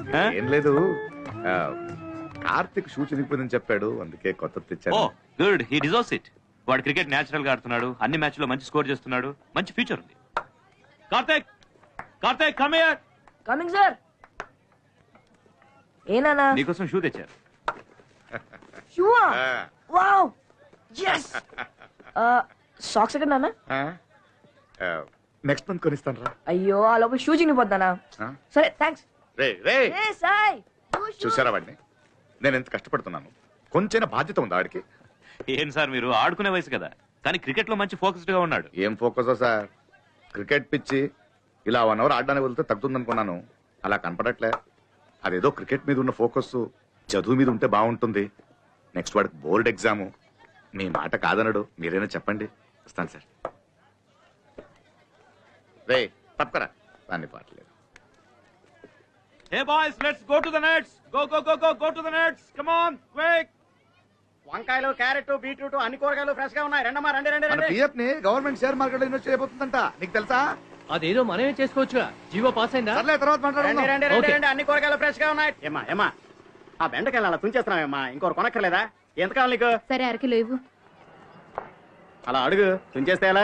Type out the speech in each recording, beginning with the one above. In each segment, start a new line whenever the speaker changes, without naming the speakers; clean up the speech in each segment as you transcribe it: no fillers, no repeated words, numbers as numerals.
ఏం లేదు, కార్తిక్ షూ చినిగిపోయిందని చెప్పాడు, అందుకే కొత్త తెచ్చాను.
Good, he deserves it. వాడు క్రికెట్ నేచురల్ గా ఆడుతున్నాడు, అన్ని మ్యాచ్ లో మంచి స్కోర్ చేస్తున్నాడు, మంచి ఫ్యూచర్ ఉంది. Karthik, Karthik come here.
Coming sir. ఏనా
నీకోసం షూ తెచ్చారు.
షూ? Wow, yes. సాక్స్ ఎక్కడ నాన్న?
నెక్స్ట్ మంత్ కొనిస్తాను రా.
అయ్యో, ఆ లోపల షూ చినిగిపోతానా? సరే థ్యాంక్స్.
చూసారా వాడిని, నేను ఎంత కష్టపడుతున్నాను, కొంచెం బాధ్యత ఉందా వాడికి?
ఏం సార్ మీరు, ఆడుకునే వయసు కదా, కానీ క్రికెట్ లో మంచి ఫోకస్డ్ గా ఉన్నాడు.
ఏం ఫోకస్ సార్, క్రికెట్ పిచ్చి ఇలా 1 అవర్ ఆడడానికి వెళ్తే తగ్గుతుందనుకున్నాను, అలా కనపడట్లే. అదేదో క్రికెట్ మీద ఉన్న ఫోకస్ చదువు మీద ఉంటే బాగుంటుంది. నెక్స్ట్ వాడికి బోర్డ్ ఎగ్జాము. మీ మాట కాదనడు, మీరైనా చెప్పండి. వస్తాను సార్. రే తప్పకరా, దాన్ని పాటలేదు.
Hey boys, let's go to the nets. Go to the nets. Come on, quick.
వంకాయలు, క్యారెట్, బీట్రూట్ అన్ని కూరగాయలు ఫ్రెష్ గా ఉన్నాయి. రండమ్మా, రండి రండి రండి.
పిఎఫ్ ని గవర్నమెంట్ షేర్ మార్కెట్ లో ఇన్వెస్ట్ చేయబోతుందంట, నీకు తెలుసా?
అదేదో మనమే చేసుకోవచ్చుగా, జీవో పాస్ అయిందా?
సర్లే, తర్వాత
రండి
మాట్లాడుకుందాం.
రండి రండి రండి, అన్ని కూరగాయలు ఫ్రెష్ గా ఉన్నాయి. ఏమ్మా ఆ బెండకాయలు అలా తుంచేస్తున్నావేమ్మా, ఇంకోరు కొనక్కర్లేదా? ఎంత కావాలి నీకు?
సరే, అరకిలో ఇవ్వు.
అలా అడుగు, తుంచేస్తే ఎలా?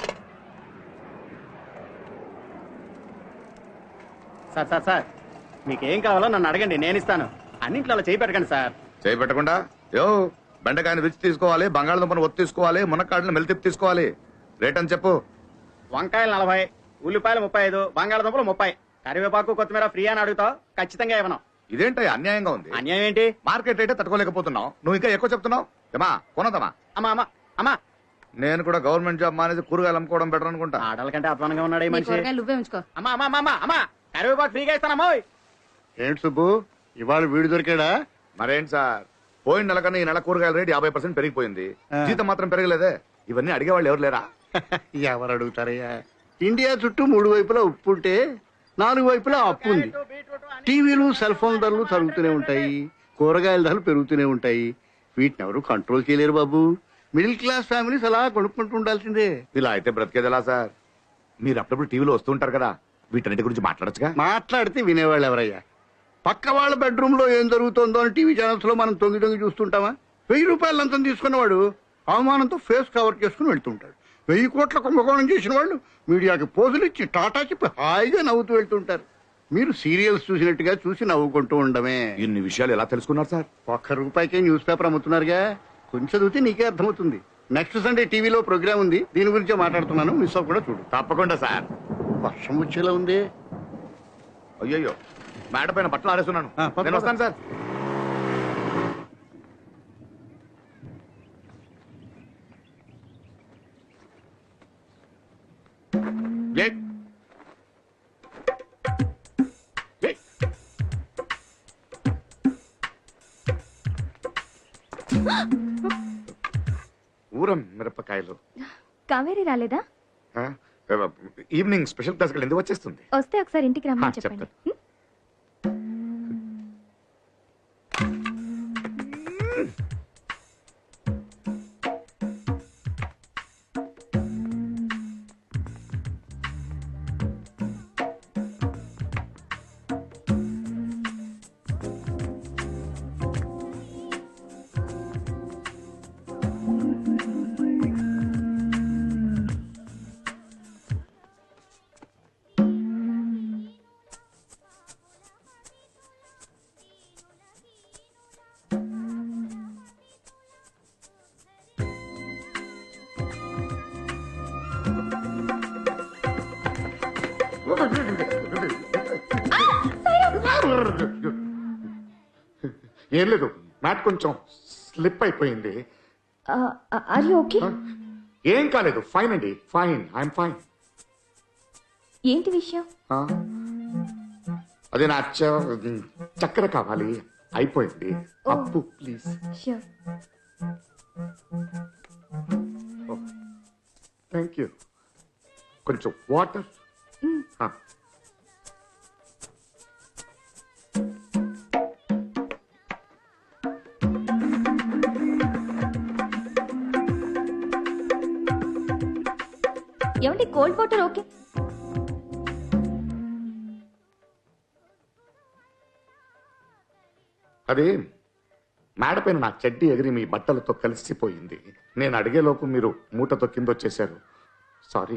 సార్ మీకేం కావాలో నన్ను అడగండి, నేను ఇస్తాను. అన్నింట్లో అలా చేయి పెట్టకండి సార్.
చేయి పెట్టకుండా బెండకాయని రుచి తీసుకోవాలి, బంగాళదుంపను ఒత్తి తీసుకోవాలి, మునక్కాడలను మెలితిప్పి తీసుకోవాలి. రేట్ అని చెప్పు.
వంకాయలు 40, ఉల్లిపాయలు 35, బంగాళదుంపలు 30, కరివేపాకు కొత్తిమీర ఫ్రీ అని అడుగుతావు, ఖచ్చితంగా ఇవ్వను.
ఇదేంటి అన్యాయంగా ఉంది?
అన్యాయం ఏంటి?
మార్కెట్ రేటే తట్టుకోలేకపోతున్నావు, నువ్వు ఇంకా ఎక్కువ చెప్తున్నావు. ఏమా కొనదమ్మా?
అమ్మా
నేను కూడా గవర్నమెంట్ జాబ్ మానేసి కూరగాయలు అమ్ముకోవడం బెటర్ అనుకుంటా.
ఆడల కంటే అధ్వానంగా ఉన్నాడు ఈ మనిషి.
నువ్వే ఉంచుకో.
అమ్మా కరివేపాకు ఫ్రీగా ఇస్తానమ్మా.
ఏంటి సుబ్బు, ఇవాళ వీడు దొరికాడా?
మరేంటి సార్, పోయిన నెల కన్నా ఈ నెల కూరగాయల రేటు 50% పెరిగిపోయింది, జీతం మాత్రం పెరగలేదే. ఇవన్నీ అడిగేవాళ్ళు ఎవరు లేరా?
ఎవరు అడుగుతారయ్యా? ఇండియా చుట్టూ 3 వైపులా ఉప్పు ఉంటే 4 వైపులా అప్పు ఉంది. టీవీలు, సెల్ ఫోన్ ధరలు తరుగుతూనే ఉంటాయి, కూరగాయల ధరలు పెరుగుతూనే ఉంటాయి. వీటిని ఎవరు కంట్రోల్ చేయలేరు బాబు. మిడిల్ క్లాస్ ఫ్యామిలీస్ అలా కొనుక్కుంటూ ఉండాల్సిందే.
ఇలా అయితే బ్రతికేది ఎలా సార్? మీరు అప్పుడప్పుడు టీవీలో వస్తుంటారు కదా, వీటన్నిటి గురించి మాట్లాడచ్చుగా.
మాట్లాడితే వినేవాళ్ళు ఎవరయ్యా? పక్క వాళ్ళ బెడ్రూమ్ లో ఏం జరుగుతుందో అని టీవీ ఛానల్స్ లో మనం తొంగి చూస్తుంటామా? 1000 రూపాయలు లంచం తీసుకున్నవాడు అవమానంతో ఫేస్ కవర్ చేసుకుని వెళ్తుంటాడు. 1000 కోట్ల కుంభకోణం చేసిన వాళ్ళు మీడియాకి పోజులు ఇచ్చి టాటా చెప్పి హాయిగా నవ్వుతూ వెళ్తుంటారు. మీరు సీరియల్స్ చూసినట్టుగా చూసి నవ్వుకుంటూ ఉండమే.
ఇన్ని విషయాలు ఎలా తెలుసుకున్నారు సార్?
1 రూపాయికే న్యూస్ పేపర్ అమ్ముతున్నారుగా, కొంచెం చదివితే నీకే అర్థమవుతుంది. నెక్స్ట్ సండే టీవీలో ప్రోగ్రామ్ ఉంది, దీని గురించే మాట్లాడుతున్నాను, మిస్ అవ్వకుండా చూడు.
తప్పకుండా సార్.
వర్షం వచ్చేలా ఉంది.
అయ్యో, మేడ పైన బట్టలు ఆరేస్తున్నాను, నేను వస్తాను సార్. ఊరం మిరపకాయలు.
కావేరి రాలేదా?
ఈవినింగ్ స్పెషల్ క్లాస్ ఎందుకు వచ్చేస్తుంది?
వస్తే ఒకసారి ఇంటికి రమ్మని చెప్పండి.
ఏం లేదు, మ్యాట్ కొంచెం స్లిప్ అయిపోయింది. ఏం కాలేదు, ఫైన్ అండి, ఫైన్, ఐఎమ్ ఫైన్.
ఏంటి విషయం?
అదే నా చక్కెర కావాలి, అయిపోయింది. అప్పు ప్లీజ్. Thank you. కొంచెం వాటర్.
ఏమండి, కోల్డ్ వాటర్ ఓకే?
అది మేడపైన నా చెడ్డి ఎగిరి మీ బట్టలతో కలిసిపోయింది. నేను అడిగేలోపు మీరు మూటతో కింద వచ్చేశారు. Sorry.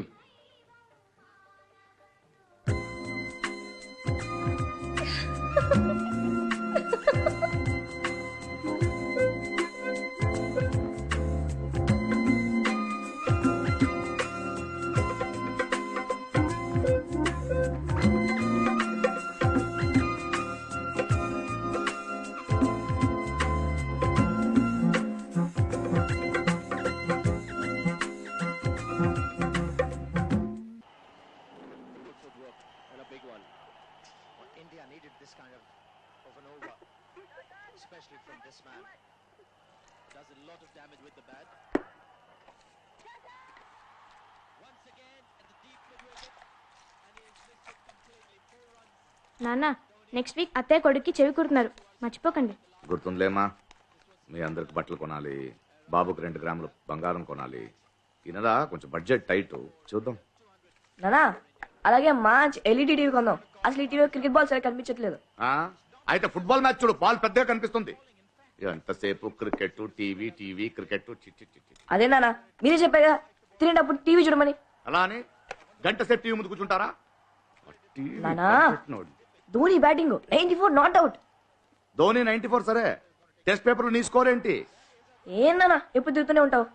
India needed this kind of an over, especially from this man. Does a lot of damage with the bat. Once again at the deep mid wicket, and he is missed it completely. 4 runs.
నాన్న next week అత్తయ్య కొడుక్కి చెవి కుడుతున్నారు, మర్చిపోకండి.
గుర్తుందిలేమా, మీ అందరికి బట్టలు కొనాలి, బాబుకి 2 గ్రాములు బంగారం కొనాలి. ఈ నెల కొంచెం బడ్జెట్ టైట్, చూద్దాం.
నానా అలాగే మంచి ఎల్ఈడి టీవీ కొందాం. అసలు ఈ టీవీలో క్రికెట్ బాల్ సరిగ్గా కనిపించట్లేదు.
అయితే ఫుట్బాల్ మ్యాచ్ చూడు, బాల్ పెద్దగా కనిపిస్తుంది. ఎంతసేపు క్రికెట్ టీవీ టీవీ క్రికెట్.
అదే నానా మీరే చెప్పారు కదా తినేటప్పుడు టీవీ చూడమని.
అలా అని గంట సేపు టీవీ ముందు కూర్చుంటారా?
నానా Dhoni batting 94 not out.
Dhoni 94 సరే, టెస్ట్ పేపర్ నీ స్కోర్ ఏంటి?
ఏం నానా ఎప్పుడు తిరుగుతూనే ఉంటావు.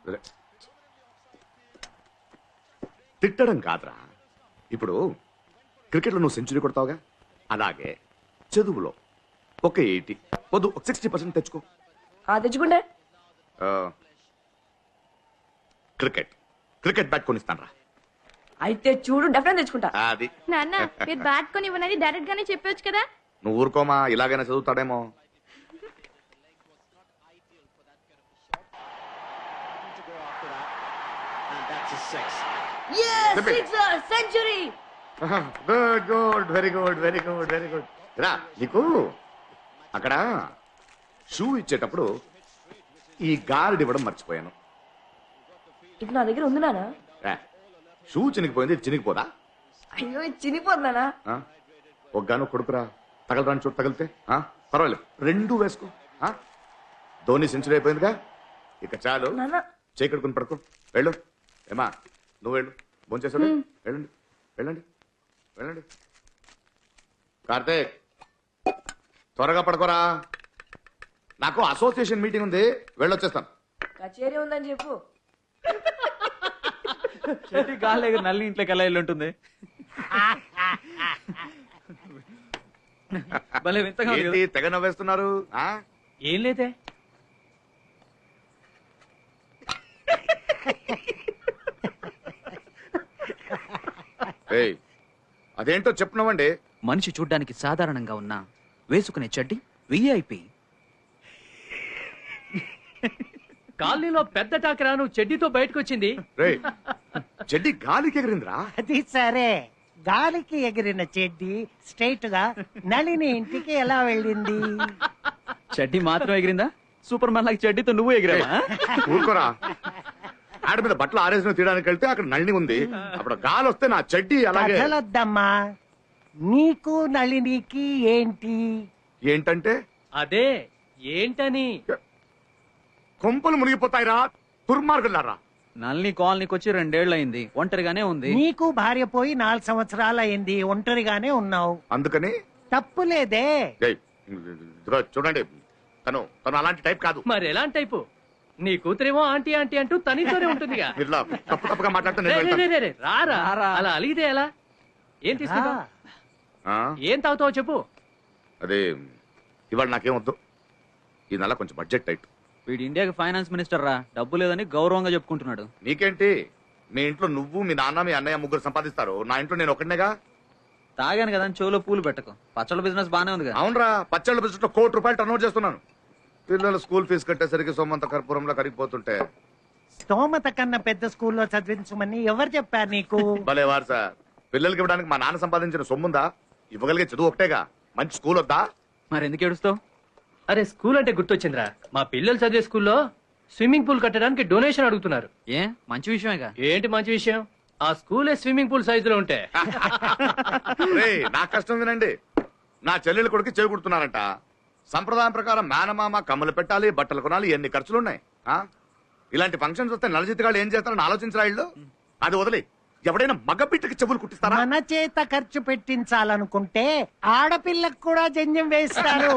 తిట్టడం కాదురా, ఇప్పుడు క్రికెట్లో నువ్వు సెంచరీ కొడతావుగా, అలాగే చదువులో ఒక 80 వద్దు, ఒక 60% తెచ్చుకో.
తెచ్చుకుంటే
క్రికెట్ బ్యాట్ కొనిస్తాను రా.
అయితే చూడు డెఫినెట్ తెచ్చుకుంటా.
అది
నాన్న మీరు బ్యాట్ కొని ఇవ్వనని డైరెక్ట్ గానే చెప్పొచ్చు కదా.
నువ్వు ఊరుకోమా, ఇలాగైనా చదువుతాడేమో.
To go after that, and that's a 6.
Century.
Good very good very good very good. రా, నీకు అక్కడ షూ ఇచ్చేటప్పుడు ఈ గార్డ్ ఇవ్వడం మర్చిపోయాను.
ఇది నా దగ్గర ఉంది నానా.
షూ చినిగిపోయింది, ఇది చినిగిపోదా?
అయ్యో ఇది చినిపోతున్నానా.
ఒగ్గాను కొడుకురా, తగలరాని చోటు తగిలితే పర్వాలేదు, 2 వేసుకో. ధోని సెంచరీ అయిపోయిందిగా, ఇక చాలు.
నానా
చేకడుకుని పడుకో, వెళ్ళు. ఏమా నువ్వు వెళ్ళు, భోంచేసాడు. వెళ్ళండి వెళ్ళండి వెళ్ళండి. కార్తీక్ త్వరగా పడుకోరా, నాకు అసోసియేషన్ మీటింగ్ ఉంది, వెళ్ళొచ్చేస్తాను.
కచేరీ ఉందని చెప్పు.
చెట్టి గాలి నల్లి ఇంట్లోకి ఎలా వెళ్ళి ఉంటుంది? భలే వింతగా ఉంది
ఏంటి
కదా?
తెగ నవ్వేస్తున్నారు?
ఏం లేదే.
ఏయ్, అదేంటో చెప్పున్నావండి.
మనిషి చూడ్డానికి సాధారణంగా ఉన్నా వేసుకునే చెడ్డి విఐపి.
కాలనీలో పెద్ద టాకరా నువ్వు చెడ్డీతో బయటకు వచ్చింది.
రేయ్, చెడ్డి గాలికి ఎగిరిందిరా.
అది సరే, గాలికి ఎగిరిన చెడ్డి స్ట్రైట్ గా నళిని ఇంటికి ఎలా వెళ్ళింది?
చెడ్డి మాత్రం ఎగిరిందా? సూపర్ మ్యాన్ లాగా చెడ్డీతో నువ్వు ఎగిరావా?
ఊరుకోరా, ఆడ మీద బట్టలు ఆరేసిన తీయడానికి వెళ్తే అక్కడ నళిని ఉంది, అప్పుడు గాలి వస్తే నా చెడ్డి అలాగే.
కథలొద్దమ్మా, నీకు నళినికి ఏంటి?
ఏంటంటే
అదే ఏంటని.
కొంపలు మునిగిపోతాయిరా దుర్మార్గులారా.
నల్ని కాలనీకి వచ్చి 2 ఏళ్ళు అయింది, ఒంటరిగానే ఉంది.
నీకు భార్య పోయి 4 సంవత్సరాలు అయింది, ఒంటరిగానే ఉన్నావు.
అందుకని
తప్పులేదే.
ఏయ్, ఇదిగో చూడండి, తను అలాంటి టైప్ కాదు.
మరి ఎలాంటి టైపు? నీ కూతురేమో ఆంటీ ఆంటీ అంటూ తనితోనే ఉంటుందిగా.
ఇలా తప్పుగా మాట్లాడితే
రే,
నేను
రే,
వెళ్తాను.
రే, రే, రారా, అలా అలిగితే ఎలా? ఏం తీసుకుంటావు?
ఆ,
ఏం తాగుతావు చెప్పు.
అదే ఇవాళ నాకేం వద్దు, ఈ నెల కొంచెం బడ్జెట్ టైట్.
వీడు ఇండియాకి ఫైనాన్స్ మినిస్టర్ రా, డబ్బు లేదని గౌరవంగా చెప్పుకుంటున్నాడు.
నీకేంటి, మీ ఇంట్లో నువ్వు మీ నాన్న మీ అన్నయ్య 3 సంపాదిస్తారు, నా ఇంట్లో నేను ఒకటినేగా.
తాగాను కదా అని చెవులో పూలు పెట్టకు. పచ్చళ్ళ బిజినెస్ బానే ఉంది కదా.
అవునరా, పచ్చళ్ళ బిజినెస్ లో ₹1 కోటి టర్న్ చేస్తున్నాను. పిల్లల స్కూల్ ఫీజు కట్టేసరికి సొమ్మంత కర్పూరంలో కరిగిపోతుంటే.
స్తోమత కన్నా పెద్ద స్కూల్లో చదివించమని ఎవరు చెప్పారు నీకు?
భలే వారు సార్, పిల్లలకి ఇవ్వడానికి మా నాన్న సంపాదించిన సొమ్ముందా? ఇవ్వగలిగే చదువు ఒకటేగా, మంచి స్కూల్ వద్దా?
మరి ఎందుకు ఏడుస్తావు?
అరే స్కూల్ అంటే గుర్తొచ్చిందిరా, మా పిల్లలు చదివే స్కూల్లో స్విమ్మింగ్ పూల్ కట్టడానికి డొనేషన్ అడుగుతున్నారు.
ఏ మంచి విషయమేగా.
ఏంటి మంచి విషయం? ఆ స్కూలే స్విమ్మింగ్ పూల్ సైజులో ఉంటే.
రేయ్, నా కష్టం వినండి, నా చెల్లెలు కొడుకు చెవి కుడుతున్నారంట. సంప్రదాయం ప్రకారం మేనమామ కమ్మలు పెట్టాలి, బట్టలు కొనాలి, ఎన్ని ఖర్చులున్నాయి. ఆ? ఇలాంటి ఫంక్షన్స్ వస్తే నలజిత్తుగాళ్ళు ఏం చేస్తారని ఆలోచించరా ఇళ్ళు? అది వదిలి ఎవడైనా మగబిడ్డకి చెవులు కుట్టిస్తారా?
మన చేత ఖర్చు పెట్టించాలనుకుంటే ఆడపిల్లకు కూడా జంజం వేస్తారు.